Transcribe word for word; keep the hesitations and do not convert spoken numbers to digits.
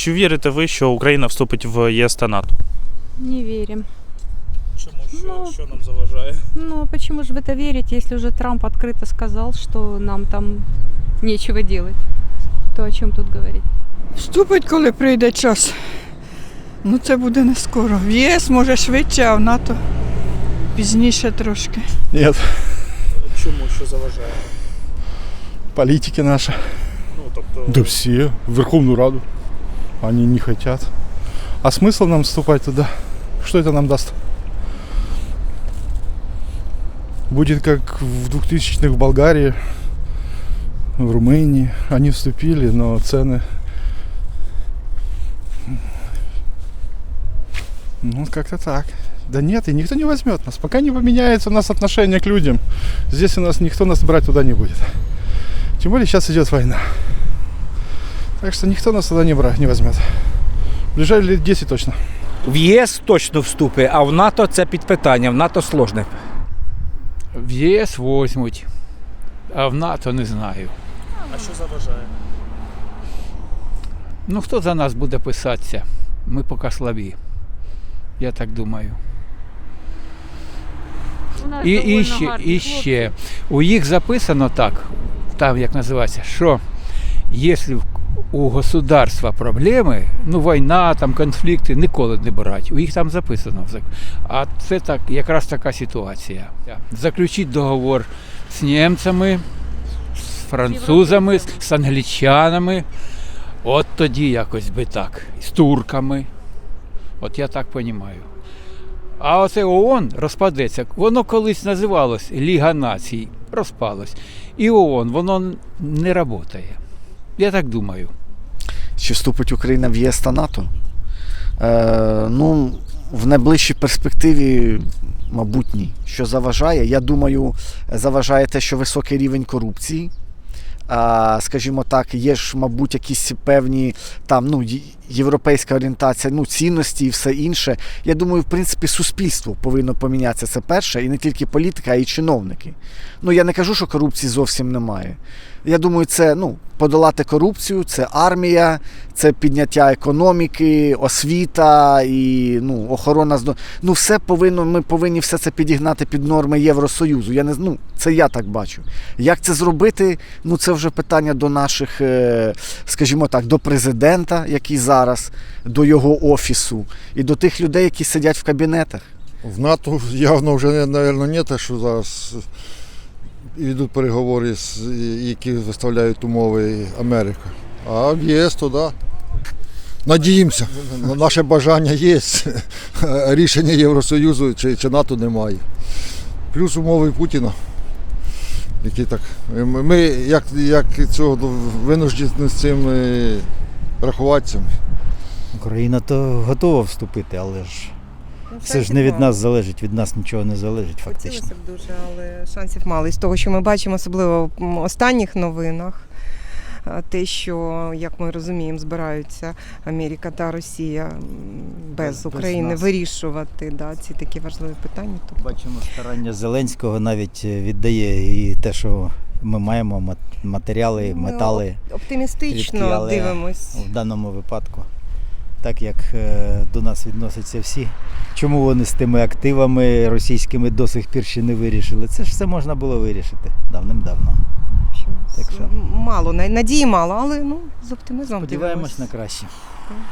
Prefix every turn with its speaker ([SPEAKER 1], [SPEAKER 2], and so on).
[SPEAKER 1] Чи вірите ви, що Україна вступить в ЄС та НАТО?
[SPEAKER 2] Не верим.
[SPEAKER 1] Чому? Що,
[SPEAKER 2] Ну,
[SPEAKER 1] що нам заважає?
[SPEAKER 2] Ну, а почему же в это верить, если уже Трамп открыто сказал, что нам там нечего делать? То о чем тут говорить?
[SPEAKER 3] Вступить, коли прийде час. Ну це буде не скоро. В ЄС може швидше, а в НАТО пізніше трошки.
[SPEAKER 4] Нет,
[SPEAKER 1] Чому? Що заважає?
[SPEAKER 4] политики наши.
[SPEAKER 1] Ну, тобто...
[SPEAKER 4] Да все, в Верховную Раду. Они не хотят. А смысл нам вступать туда? Что это нам даст? Будет как в двухтысячных в Болгарии, в Румынии. Они вступили, но цены... Ну, как-то так. Да нет, и никто не возьмет нас. Пока не поменяется у нас отношение к людям, здесь у нас никто нас брать туда не будет. Тем более сейчас идет война. Так что никто нас туда не, брать, не возьмет. В ближайшие лет десять точно.
[SPEAKER 5] В ЄС точно вступить, а в НАТО це під питання, в НАТО сложне.
[SPEAKER 6] В ЄС возьмуть, а в НАТО не знаю.
[SPEAKER 1] А що заважає?
[SPEAKER 6] Ну хто за нас буде писатися? Ми поки слабі. Я так думаю.
[SPEAKER 2] У нас
[SPEAKER 6] І, і,
[SPEAKER 2] довольно
[SPEAKER 6] ще,
[SPEAKER 2] гарні
[SPEAKER 6] і ще, у їх записано так, там як називається, що якщо у государства проблеми, ну війна, там конфлікти, ніколи не брати. У їх там записано. А це так, якраз така ситуація. Заключити договор з німцями, з французами, з англічанами. От тоді якось би так. З турками. От я так розумію. А оце ООН розпадеться. Воно колись називалось Ліга націй, розпалось. І ООН, воно не працює. Я так думаю.
[SPEAKER 7] Чи вступить Україна в ЄС та НАТО? Е, ну, в найближчій перспективі, мабуть, ні. Що заважає? Я думаю, заважає те, що високий рівень корупції. А, скажімо так, є ж, мабуть, якісь певні там, ну, європейська орієнтація, ну, цінності і все інше. Я думаю, в принципі, суспільство повинно помінятися, це перше, і не тільки політика, а й чиновники. Ну, я не кажу, що корупції зовсім немає. Я думаю, це, ну, подолати корупцію, це армія, це підняття економіки, освіта і, ну, охорона здоров'я. Ну, все повинно, ми повинні все це підігнати під норми Євросоюзу. Я не, ну, це я так бачу. Як це зробити? Ну, це вже питання до наших, скажімо так, до президента, який зараз, до його офісу і до тих людей, які сидять в кабінетах.
[SPEAKER 8] В НАТО явно вже, мабуть, не те, що зараз йдуть переговори, які виставляють умови Америка. А в ЄС то да. Надіємося. Наше бажання є. Рішення Євросоюзу чи, чи НАТО немає. Плюс умови Путіна. Які так. Ми як, як цього винуждені з цим рахуватися.
[SPEAKER 9] Україна то готова вступити, але ж все ж не від нас залежить, від нас нічого не залежить фактично.
[SPEAKER 10] Хотілося б дуже, але шансів мало. І з того, що ми бачимо, особливо в останніх новинах, те, що, як ми розуміємо, збираються Америка та Росія без, без України без вирішувати, да, ці такі важливі питання. Тобто...
[SPEAKER 9] Бачимо, старання Зеленського навіть віддає і те, що ми маємо матеріали, ми метали.
[SPEAKER 10] Оптимістично рідкі, дивимось.
[SPEAKER 9] В даному випадку, так як до нас відносяться всі. Чому вони з тими активами російськими до сих пір ще не вирішили? Це ж все можна було вирішити давним-давно.
[SPEAKER 10] Так що... Мало, надії мало, але ну, з оптимізмом
[SPEAKER 9] сподіваємось
[SPEAKER 10] дивимось.
[SPEAKER 9] на краще.